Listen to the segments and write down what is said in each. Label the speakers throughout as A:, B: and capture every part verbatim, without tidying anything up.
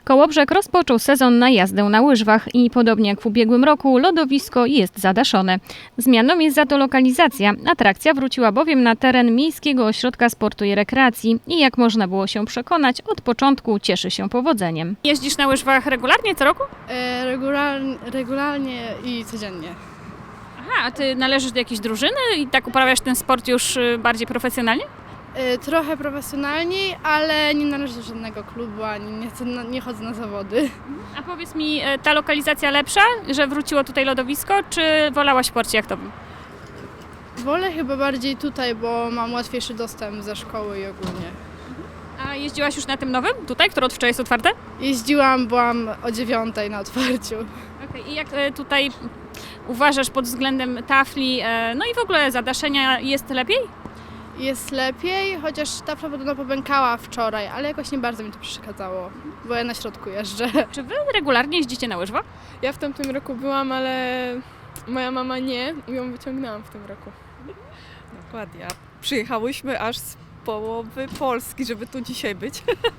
A: Kołobrzeg rozpoczął sezon na jazdę na łyżwach i podobnie jak w ubiegłym roku lodowisko jest zadaszone. Zmianą jest za to lokalizacja. Atrakcja wróciła bowiem na teren Miejskiego Ośrodka Sportu i Rekreacji i jak można było się przekonać, od początku cieszy się powodzeniem. Jeździsz na łyżwach regularnie co roku?
B: E, regularnie, regularnie i codziennie.
A: Aha, a ty należysz do jakiejś drużyny i tak uprawiasz ten sport już bardziej profesjonalnie?
B: E, trochę profesjonalniej, ale nie należę do żadnego klubu, ani nie, chcę, nie chodzę na zawody.
A: A powiedz mi, ta lokalizacja lepsza, że wróciło tutaj lodowisko, czy wolałaś w porcie jachtowym?
B: Wolę chyba bardziej tutaj, bo mam łatwiejszy dostęp ze szkoły i ogólnie.
A: A jeździłaś już na tym nowym, tutaj, które od wczoraj jest otwarte?
B: Jeździłam, byłam o dziewiątej na otwarciu.
A: Okay. I jak tutaj uważasz pod względem tafli, no i w ogóle zadaszenia, jest lepiej?
B: Jest lepiej, chociaż tafla podobno popękała wczoraj, ale jakoś nie bardzo mi to przeszkadzało, bo ja na środku jeżdżę.
A: Czy wy regularnie jeździcie na łyżwach?
C: Ja w tamtym roku byłam, ale moja mama nie i ją wyciągnęłam w tym roku.
D: Dokładnie. Przyjechałyśmy aż z połowy Polski, żeby tu dzisiaj być,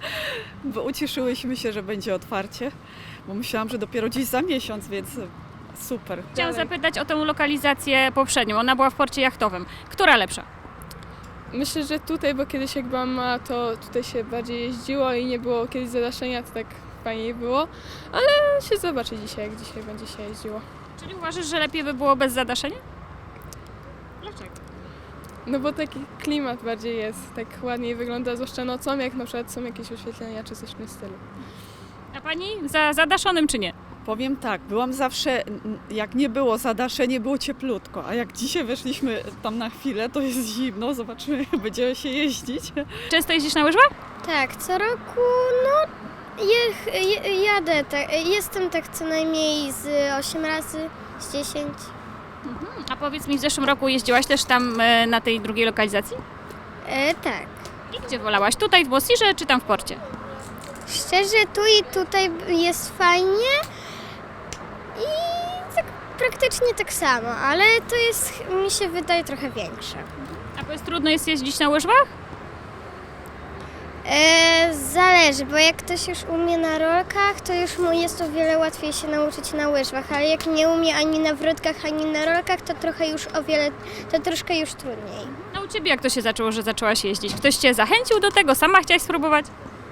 D: bo ucieszyłyśmy się, że będzie otwarcie, bo myślałam, że dopiero dziś za miesiąc, więc super.
A: Chciałam zapytać o tę lokalizację poprzednią. Ona była w porcie jachtowym. Która lepsza?
C: Myślę, że tutaj, bo kiedyś jak byłam mała, to tutaj się bardziej jeździło i nie było kiedyś zadaszenia, to tak fajniej było, ale się zobaczy dzisiaj, jak dzisiaj będzie się jeździło.
A: Czyli uważasz, że lepiej by było bez zadaszenia? Dlaczego?
C: No bo taki klimat bardziej jest, tak ładniej wygląda, zwłaszcza nocą, jak na przykład są jakieś oświetlenia czy coś w tym stylu.
A: A pani za zadaszonym czy nie?
D: Powiem tak, byłam zawsze, jak nie było zadaszenie, było cieplutko, a jak dzisiaj weszliśmy tam na chwilę, to jest zimno, zobaczymy, jak będziemy się jeździć.
A: Często jeździsz na łyżwach?
E: Tak, co roku no je, je, jadę, tak, jestem tak co najmniej z osiem razy, z dziesięć.
A: Mhm. A powiedz mi, w zeszłym roku jeździłaś też tam e, na tej drugiej lokalizacji?
E: E, tak.
A: I gdzie wolałaś? Tutaj w Mosirze czy tam w porcie?
E: Szczerze, tu i tutaj jest fajnie i tak praktycznie tak samo, ale to jest, mi się wydaje, trochę większe.
A: A powiedz, trudno jest jeździć na łyżwach?
E: E, zależy, bo jak ktoś już umie na rolkach, to już mu jest o wiele łatwiej się nauczyć na łyżwach, ale jak nie umie ani na wrotkach, ani na rolkach, to trochę już o wiele, to troszkę już trudniej.
A: A u ciebie jak to się zaczęło, że zaczęłaś jeździć? Ktoś cię zachęcił do tego? Sama chciałaś spróbować?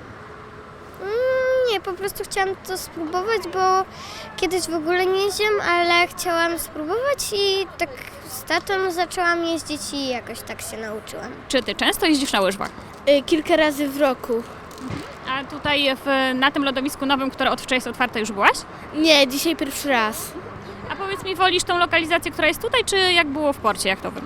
E: Mm, nie, po prostu chciałam to spróbować, bo kiedyś w ogóle nie jeździłam, ale chciałam spróbować i tak z tatą zaczęłam jeździć i jakoś tak się nauczyłam.
A: Czy ty często jeździsz na łyżwach?
B: Kilka razy w roku.
A: A tutaj w, na tym lodowisku nowym, które od wczoraj jest otwarte, już byłaś?
B: Nie, dzisiaj pierwszy raz.
A: A powiedz mi, wolisz tą lokalizację, która jest tutaj, czy jak było w porcie jachtowym?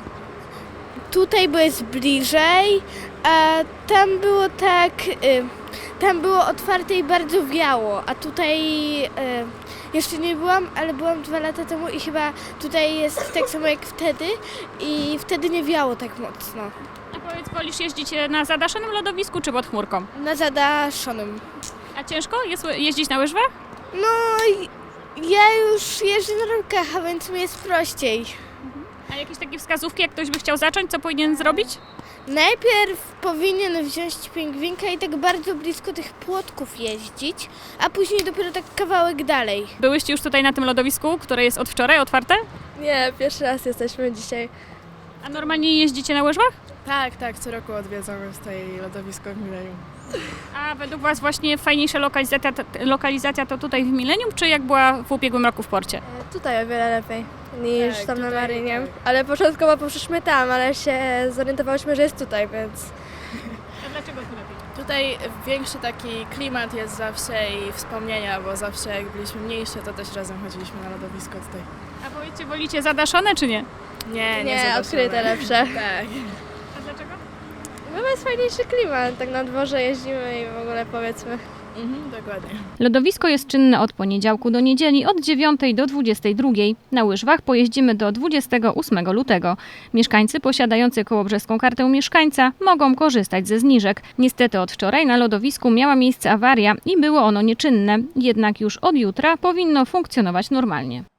B: Tutaj, bo jest bliżej, a tam było tak, y, tam było otwarte i bardzo wiało, a tutaj y, jeszcze nie byłam, ale byłam dwa lata temu i chyba tutaj jest tak samo jak wtedy i wtedy nie wiało tak mocno.
A: A powiedz, wolisz jeździć na zadaszonym lodowisku, czy pod chmurką?
B: Na zadaszonym.
A: A ciężko jest jeździć na łyżwach?
B: No, ja już jeżdżę na rolkach, a więc mi jest prościej.
A: A jakieś takie wskazówki, jak ktoś by chciał zacząć, co powinien zrobić?
B: Najpierw powinien wziąć pingwinka i tak bardzo blisko tych płotków jeździć, a później dopiero tak kawałek dalej.
A: Byłyście już tutaj na tym lodowisku, które jest od wczoraj otwarte?
C: Nie, pierwszy raz jesteśmy dzisiaj.
A: A normalnie jeździcie na łyżwach?
C: Tak, tak, co roku odwiedzamy z tej lodowisko w Milenium.
A: A według Was właśnie fajniejsza lokalizacja, lokalizacja to tutaj w Milenium, czy jak była w ubiegłym roku w porcie?
F: Tutaj o wiele lepiej niż
C: Tak,
F: tam na
C: tutaj
F: Marynie.
C: tak.
F: Ale początkowo poszliśmy tam, ale się zorientowałyśmy, że jest tutaj, więc
A: A dlaczego tu lepiej?
G: Tutaj większy taki klimat jest zawsze i wspomnienia, bo zawsze jak byliśmy mniejsze, to też razem chodziliśmy na lodowisko tutaj.
A: A powiedzcie, wolicie zadaszone, czy nie?
G: Nie, nie,
F: nie,
G: zobaczymy.
F: odkryte lepsze.
G: Tak.
A: A dlaczego?
F: No jest fajniejszy klimat, tak na dworze jeździmy i w ogóle powiedzmy.
G: Mhm, dokładnie.
A: Lodowisko jest czynne od poniedziałku do niedzieli od dziewiątej do dwudziestej drugiej. Na łyżwach pojeździmy do dwudziestego ósmego lutego. Mieszkańcy posiadający kołobrzeską kartę mieszkańca mogą korzystać ze zniżek. Niestety od wczoraj na lodowisku miała miejsce awaria i było ono nieczynne, jednak już od jutra powinno funkcjonować normalnie.